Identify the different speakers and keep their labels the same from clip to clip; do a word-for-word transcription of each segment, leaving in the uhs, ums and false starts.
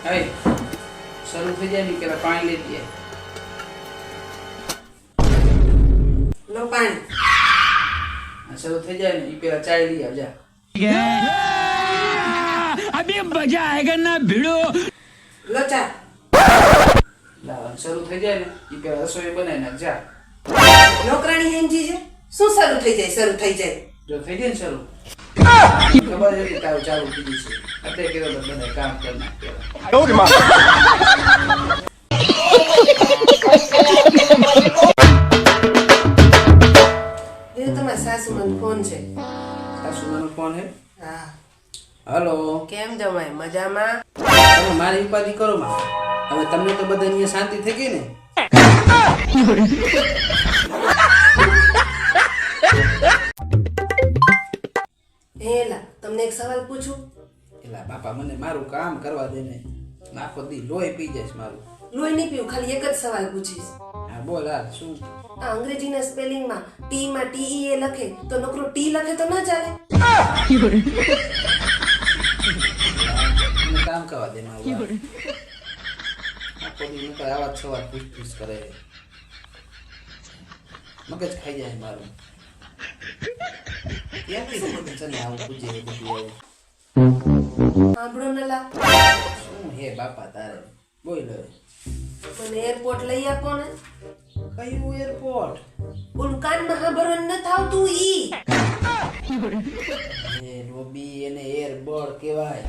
Speaker 1: હાય શરૂ થઈ જાય ને પેલા પાણી લઈ દે
Speaker 2: લો પાણી
Speaker 1: શરૂ થઈ જાય ને એ પેલા ચાય લઈ આવજા
Speaker 3: अभी मजा आएगा ना भिड़ो
Speaker 2: લો ચા
Speaker 1: લાવ શરૂ થઈ જાય ને એ પેલા રસોઈ બનાવી નાખ જા
Speaker 2: નોકરાણી હેંજી છે શું શરૂ થઈ જાય શરૂ થઈ જાય
Speaker 1: જો થઈ જાય ને શરૂ ખબર છે કે તારું ચાલુ થઈ ગયું છે અત્યારે કીધું તો બધા કામ કરી નાખ
Speaker 2: એ તમારા સાસુમાનો ફોન છે
Speaker 1: સાસુમાનો ફોન હે
Speaker 2: હા
Speaker 1: હલો
Speaker 2: કેમ જમાય મજામાં
Speaker 1: તમે મારી ઉપાધિ કરો માં હવે તમને તો બધા અહીંયા શાંતિ થઈ ગઈ ને
Speaker 2: હેલા તમને એક સવાલ પૂછું
Speaker 1: એલા બાપા મને મારું કામ કરવા દે ને આખો દી લોહી પી જાય મારું
Speaker 2: લોહી નહીં પીવું ખાલી એક જ સવાલ પૂછીશ
Speaker 1: હા બોલ હા શું
Speaker 2: આ અંગ્રેજીના સ્પેલિંગમાં ટી માં ટી એ લખે તો નકરો ટી લખે તો ના ચાલે
Speaker 1: મને કામ કરવા દે મારું આખો દી નકર આવા સવાલ પૂછ પૂછ કરે મગજ ખાઈ જાય મારું ક્યાંથી મગજ છે ને આવું પૂછે એ બધું આવું
Speaker 2: સાંભળો નલા
Speaker 1: શું હે બાપા તારે બોલ હવે
Speaker 2: મને એરપોર્ટ લઈ આપો ને
Speaker 1: કયું એરપોર્ટ
Speaker 2: ઓલું કાનમાં સાંભળવાનું ન થાવતું ઈ
Speaker 1: એ રોબી એને એરબોર્ડ કહેવાય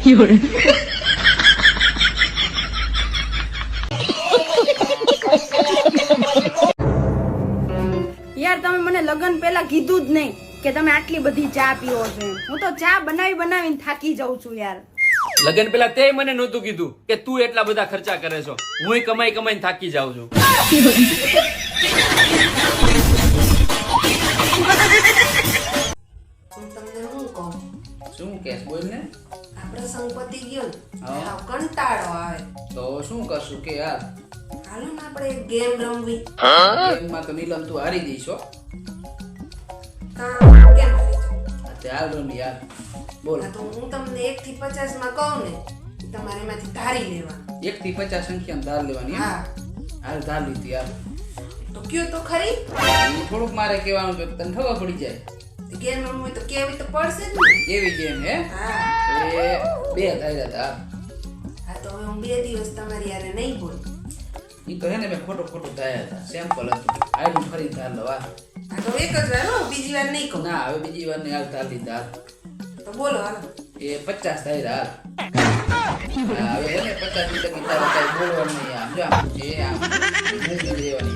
Speaker 4: યાર તમે મને લગન પહેલા કીધું જ નહીં કે તમે આટલી બધી ચા પીવો છો એમ. હું તો ચા બનાવી બનાવીને થાકી જાઉં છું યાર.
Speaker 5: લગન પેલા તે મને નહોતું કીધું કે તું એટલા બધા ખર્ચા કરે છો. હું કમાઈ કમાઈને થાકી જાઉં છું.
Speaker 2: હું તમને શું કહું
Speaker 1: શું કેસ બોલ ને
Speaker 2: આપણે સંપત્તિ ગયો ને
Speaker 1: હા.
Speaker 2: હાવ કંટાળો આવે
Speaker 1: તો શું કરશું કે યાર
Speaker 2: હાલો ને આપણે એક ગેમ રમવી
Speaker 1: ગેમમાં તો નીલમ તું હારી જઈશ હો
Speaker 2: કામ કેમ હારી જાઉં?
Speaker 1: ચાલ રમ યાર બોલ
Speaker 2: આ તો હું તમને એક થી પચાસ માં કહું ને તમારે એમાંથી ધારી લેવા
Speaker 1: એક થી પચાસ સંખ્યા ધાર લેવાની એમ?
Speaker 2: હા
Speaker 1: હાલ ધાર લીધી યાર
Speaker 2: તો કયો તો ખરી
Speaker 1: ઈ થોડુંક મારે કહેવાનું કે તને ખબર પડી જાય
Speaker 2: ગેમ રમવી હોય તો કેવી તો પડશે જ ને
Speaker 1: એવી ગેમ હે
Speaker 2: હા
Speaker 1: એ બે ધાર્યા હતા
Speaker 2: હા તો હવે હું બે દિવસ તમારી યારે નહીં બોલ
Speaker 1: ઈ તો હે ને મેં ખોટું ખોટું ધાર્યા હતા સેમ્પલ હતું આયલું ફરી ધાર લવા
Speaker 2: હા તો એક જ વાર હો બીજી વાર નહીં કહું
Speaker 1: ના હવે બીજી વાર ને હાલ ધાર લીધા
Speaker 2: તો બોલો હાલો
Speaker 1: એ પચાસ ધાર્યા હાલ હા, હવે હે ને પચાસ લીટર ની તારે કાંઈ બોલવાનું નહીં આમ જો આમ એ આમ મૂંગી દેવાની